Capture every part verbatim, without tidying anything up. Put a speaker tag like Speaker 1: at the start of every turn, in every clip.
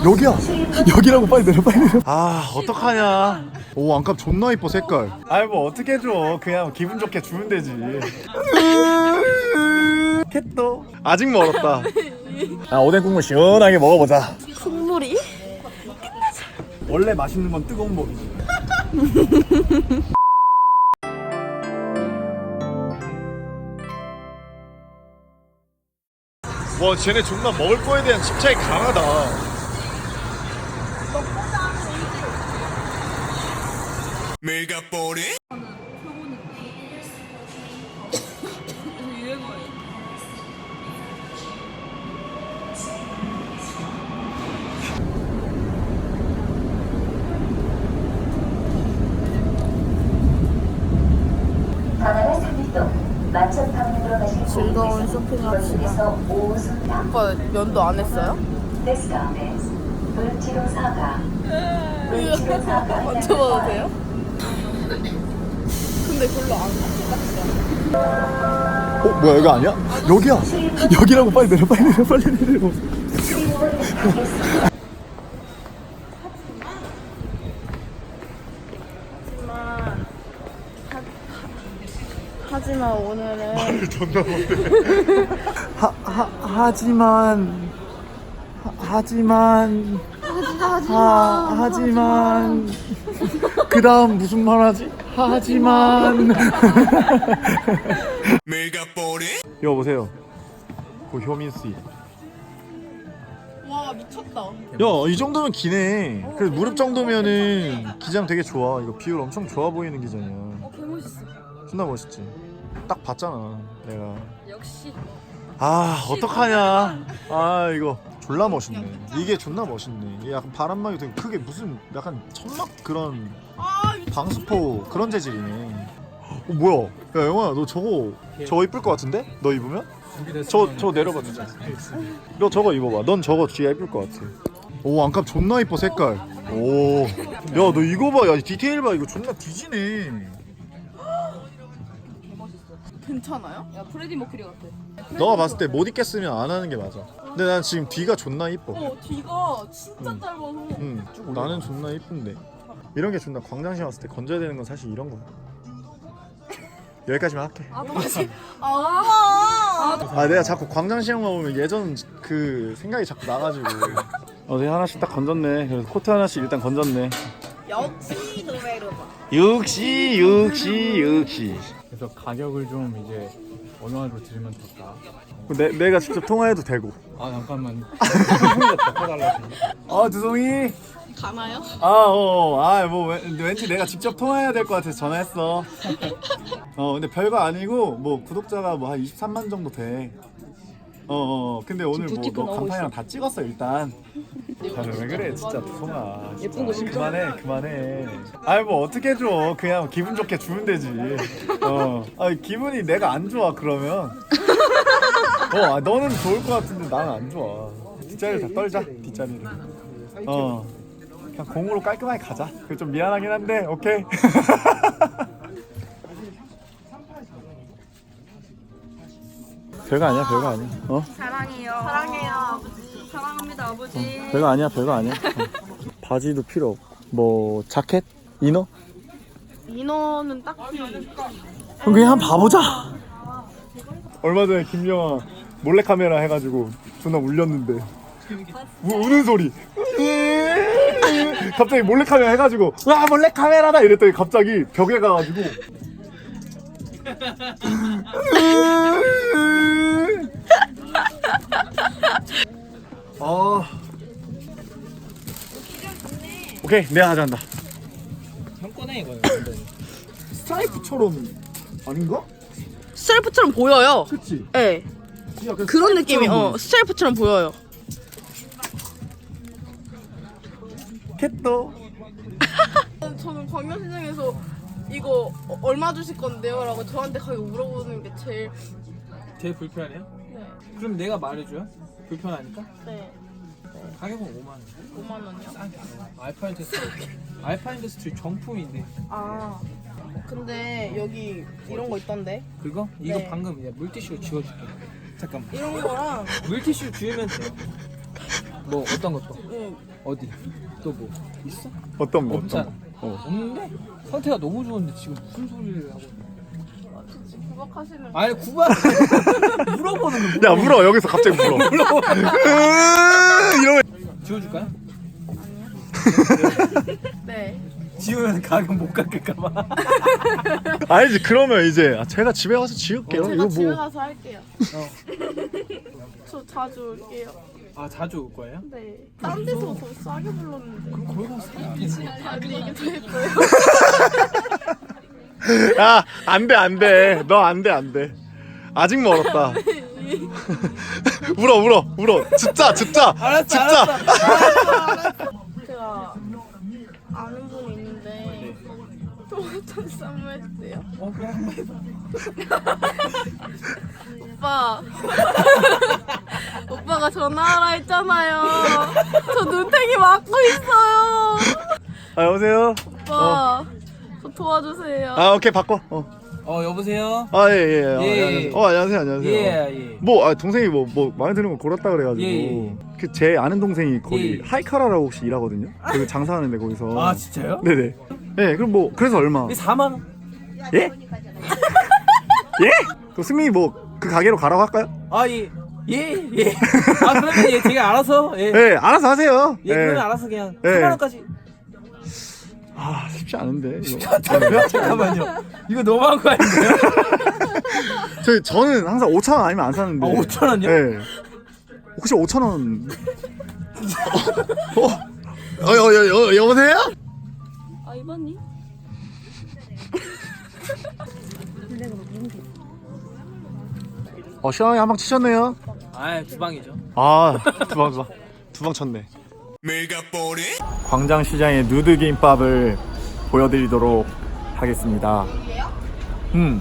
Speaker 1: 여기야. 여기라고. 빨리 내려 빨리 내려. 아 어떡하냐. 오 안값 존나 이뻐 색깔. 아이 뭐 어떻게 해줘. 그냥 기분 좋게 주면 되지. 캣도 아직 멀었다. 아 오뎅 국물 시원하게 먹어보자.
Speaker 2: 국물이?
Speaker 1: 원래 맛있는 건 뜨거운 법이지. 와 쟤네 존나 먹을 거에 대한 집착이 강하다. 메가포리?
Speaker 2: 즐거운 쇼핑합시다. 오빠 면도 안 했어요? 만져봐도 돼요? 근데 별로 안 같아.
Speaker 1: 어 뭐야 여기 아니야? 여기야. 여기라고. 빨리 내려 빨리 내려 빨리 내려.
Speaker 2: 하지만 오늘은
Speaker 1: 존나 못해. 하, 하, 하지만 하, 하지만 하, 하지만 그 다음 무슨 말 하지? 하지만 여보세요. 그 효민씨.
Speaker 2: 와 미쳤다.
Speaker 1: 야 이 정도면 기네. 그래서 무릎 정도면은 기장 되게 좋아. 이거 비율 엄청 좋아 보이는 기장이야.
Speaker 2: 어 개멋있어.
Speaker 1: 존나 멋있지. 딱 봤잖아 내가.
Speaker 2: 역시.
Speaker 1: 아 어떡하냐. 아 이거 졸라 멋있네. 이게 존나 멋있네. 이게 약간 바람막이 되게 크게 무슨 약간 천막 그런 방수포 그런 재질이네. 어 뭐야. 야 영화야 너 저거 저거 이쁠 것 같은데? 너 입으면? 저, 저 내려봐 주자. 너 저거 입어봐. 넌 저거 뒤에 이쁠 것 같아. 오 안값 존나 이뻐 색깔. 오 야 너 이거 봐. 야 디테일 봐. 이거 존나 뒤지네.
Speaker 2: 괜찮아요? 야 프레디 머큐리 같아.
Speaker 1: 너가 봤을 때 못 입겠으면 안 하는 게 맞아. 근데 난 지금 뒤가 존나 이뻐.
Speaker 2: 어 뒤가 진짜
Speaker 1: 응.
Speaker 2: 짧아서.
Speaker 1: 응 나는 존나 이쁜데 이런 게 존나 광장시 왔을 때 건져야 되는 건 사실 이런 거. 여기까지만 할게.
Speaker 2: 아 너지. 아.
Speaker 1: 아 내가 자꾸 광장시장만 보면 예전 그 생각이 자꾸 나가지고. 어제 하나씩 딱 건졌네. 그래서 코트 하나씩 일단 건졌네.
Speaker 2: 역시 노베르바.
Speaker 1: 역시 역시 역시.
Speaker 3: 그래서 가격을 좀 이제 어느 한으로 들으면 될까?
Speaker 1: 내, 내가 직접 통화해도 되고.
Speaker 3: 아 잠깐만 바꿔달라고.
Speaker 1: 아 두송이.
Speaker 2: 가나요?
Speaker 1: 아어아뭐 왠지 내가 직접 통화해야 될 것 같아서 전화했어. 어 근데 별거 아니고 뭐 구독자가 뭐 한 이십삼만 정도 돼. 어어 어, 근데 오늘 뭐 너 간판이랑 다 찍었어 일단. 다들 왜 그래 진짜 두송아. 예쁜 거 진짜. 그만해 그만해. 아이 뭐 어떻게 줘. 그냥 기분 좋게 주면 되지. 어. 아 기분이 내가 안 좋아 그러면. 어 아, 너는 좋을 것 같은데 나는 안 좋아. 뒷자리를 다 떨자 뒷자리를. 어. 그냥 공으로 깔끔하게 가자. 그게 좀 미안하긴 한데 오케이. 별거 아니야 별거 아니야. 어?
Speaker 2: 사랑해요. 사랑해요 아버지. 사랑합니다 아버지.
Speaker 1: 어, 별거 아니야 별거 아니야. 어. 바지도 필요 없고 뭐 자켓? 이너?
Speaker 2: 인어는 딱히.
Speaker 1: 그럼 그냥 한번 봐보자. 얼마 전에 김영아 몰래카메라 해가지고 존나 울렸는데 우, 우는 소리. 갑자기 몰래카메라 해가지고 와 몰래카메라다 이랬더니 갑자기 벽에 가가지고 아 오케이 내가 가져간다.
Speaker 3: 형 꺼내 이거는.
Speaker 1: 스트라이프처럼 아닌가?
Speaker 2: 스트라이프처럼 보여요.
Speaker 1: 그치?
Speaker 2: 네. 그런 느낌이 어 스트라이프처럼 보여요.
Speaker 1: 캣도
Speaker 2: 저는 광명시장에서 이거 어, 얼마 주실 건데요? 라고 저한테 가격 물어보는 게 제일.
Speaker 3: 제일 불편해요?
Speaker 2: 네.
Speaker 3: 그럼 내가 말해줘요? 불편하니까?
Speaker 2: 네.
Speaker 3: 가격은 오만 원.
Speaker 2: 오만 원이요?
Speaker 3: 싸게. 알파인 테스트. 알파인 테스트 정품인데.
Speaker 2: 아 근데 여기 이런 거 있던데
Speaker 3: 그거? 이거
Speaker 2: 네.
Speaker 3: 방금 이제 물티슈로 지워줄게. 잠깐만.
Speaker 2: 이런 거랑
Speaker 3: 물티슈 지우면 돼요.
Speaker 4: 뭐 어떤 것도
Speaker 2: 응.
Speaker 4: 어디 또 뭐 있어?
Speaker 1: 어떤 거
Speaker 4: 없잖아.
Speaker 1: 어떤 거? 어.
Speaker 4: 없는데 상태가 너무 좋은데 지금 무슨 소리를 하고 있는
Speaker 2: 지금 구박하시는
Speaker 4: 거야? 아니 구박 물어보는 거
Speaker 1: 야 물어 여기서 갑자기 물어. 이러면
Speaker 4: 지워줄까요?
Speaker 2: 네.
Speaker 4: 지우면 가격 못 깎을까봐.
Speaker 1: 아니지 그러면 이제 아, 제가 집에 가서 지울게요.
Speaker 2: 제가
Speaker 1: 이거
Speaker 2: 집에
Speaker 1: 뭐
Speaker 2: 가서 할게요.
Speaker 4: 어.
Speaker 2: 저 자주 올게요.
Speaker 4: 아 자주 올 거예요?
Speaker 2: 네. 딴 데서 더 싸게 불렀는데.
Speaker 4: 거기 가서 사야지.
Speaker 2: 아 근데 이게 더 예뻐요.
Speaker 1: 야, 안 돼, 안 돼. 너 안 돼, 안 돼. 아직 멀었다. 울어, 울어, 울어. 진짜, 진짜.
Speaker 4: 알았어,
Speaker 1: 진짜.
Speaker 2: 제가 아는 분이 있는데 토마토 쌈무했대요.
Speaker 4: 어 그래 한번 해봐.
Speaker 2: 오빠. 오빠가 전화하라 했잖아요. 저 눈탱이 맞고 있어요.
Speaker 1: 아, 여보세요?
Speaker 2: 오빠. 저 도와주세요.
Speaker 1: 아, 오케이, 바꿔. 어.
Speaker 4: 어 여보세요?
Speaker 1: 아, 예, 예. 어,
Speaker 4: 예.
Speaker 1: 안녕하세요. 어, 안녕하세요, 안녕하세요.
Speaker 4: 예 예.
Speaker 1: 뭐, 아, 동생이 뭐, 뭐, 마음에 드는 거 골랐다 그래가지고.
Speaker 4: 예, 예.
Speaker 1: 그, 제 아는 동생이 거기
Speaker 4: 예.
Speaker 1: 하이카라라고 혹시 일하거든요? 거기 장사하는데, 거기서.
Speaker 4: 아 진짜요?
Speaker 1: 네네. 네, 그럼 뭐, 그래서 얼마?
Speaker 4: 이 사만 원.
Speaker 1: 예? 예? 그럼 승민이 뭐, 그 가게로 가라고 할까요?
Speaker 4: 아 예. 예, 예. 아, 그러면 예, 제가 알아서, 예.
Speaker 1: 네, 알아서 하세요.
Speaker 4: 예, 그러면 알아서 그냥
Speaker 1: 예.
Speaker 4: 삼만 원까지.
Speaker 1: 아, 쉽지 않은데. 이거.
Speaker 4: 잠깐만요. 이거 너무한 거 아닌가요?
Speaker 1: 저, 저는 항상 오천 원 아니면 안 사는데.
Speaker 4: 아, 오천 원이요?
Speaker 1: 네. 혹시 오천 원? 어? 어, 여, 여, 여, 여보세요?
Speaker 2: 아 이번님?
Speaker 1: 어, 시원하게 한 방 치셨네요.
Speaker 4: 아, 주방이죠.
Speaker 1: 아, 두방, 두방. 두방 쳤네. 광장시장의 누드김밥을 보여드리도록 하겠습니다. 음.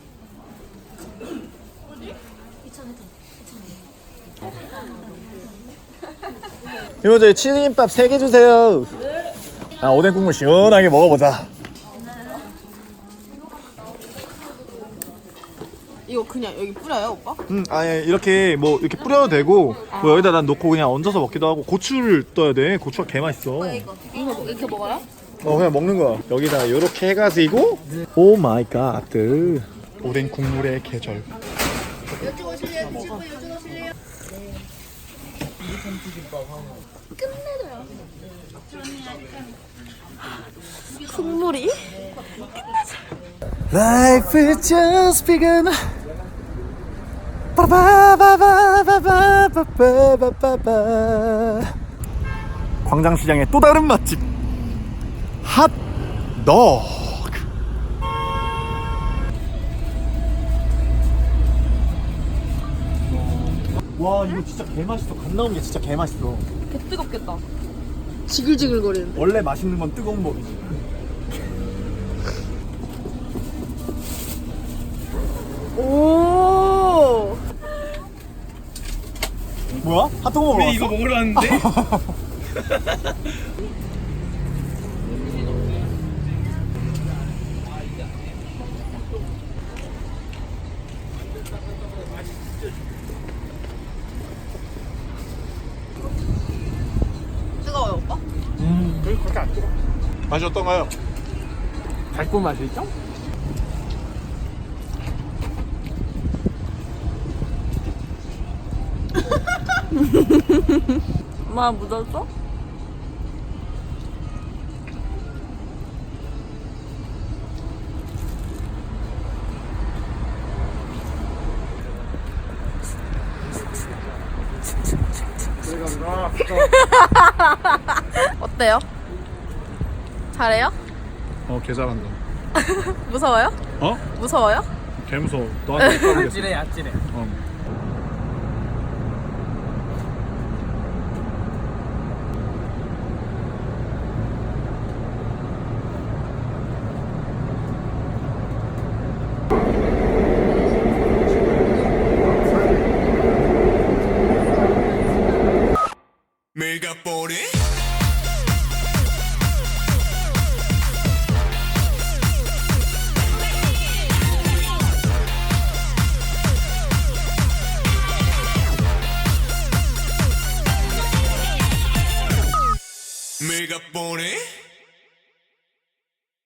Speaker 1: 이모 저희 치즈김밥 세 개 주세요. 아, 오뎅 국물 시원하게 먹어보자.
Speaker 2: 이거 그냥 여기 뿌려요 오빠?
Speaker 1: 음, 아예 이렇게 뭐 이렇게 뿌려도 되고 뭐 여기다 난 놓고 그냥 얹어서 먹기도 하고 고추를 떠야 돼. 고추가 개 맛있어.
Speaker 2: 이거 이렇게 먹어요?
Speaker 1: 어 그냥 먹는 거야. 여기다 이렇게 해가지고 오 마이 갓 오뎅 국물의 계절.
Speaker 2: 이쪽 오실래요? 드실 분 이쪽 오실래요? 끝내줘요. 국물이?
Speaker 1: Life is just begun. 빠바바바바바바바바바. 광장시장의 또 다른 맛집 핫도그. 와 이거 진짜 개 맛있어. 갓 나온 게 진짜 개 맛있어.
Speaker 2: 개 뜨겁겠다. 지글지글거리는데.
Speaker 1: 원래 맛있는 건 뜨거운 법이지.
Speaker 2: 오.
Speaker 1: 뭐야? 핫도그 먹으러 왔어?
Speaker 4: 이거 먹으러 왔는데?
Speaker 2: 뜨거워요 오빠?
Speaker 1: 음, 그렇게 안 뜨거. 맛이 어떤가요?
Speaker 4: 달콤 맛이 있죠?
Speaker 2: 엄마 묻었어? 어때요? 잘해요?
Speaker 1: 어, 개 잘한다.
Speaker 2: 무서워요?
Speaker 1: 어?
Speaker 2: 무서워요?
Speaker 1: 개 무서워. 너한테 못 가보겠어.
Speaker 4: 아찔해, 아찔해.
Speaker 1: 어.
Speaker 5: Megapone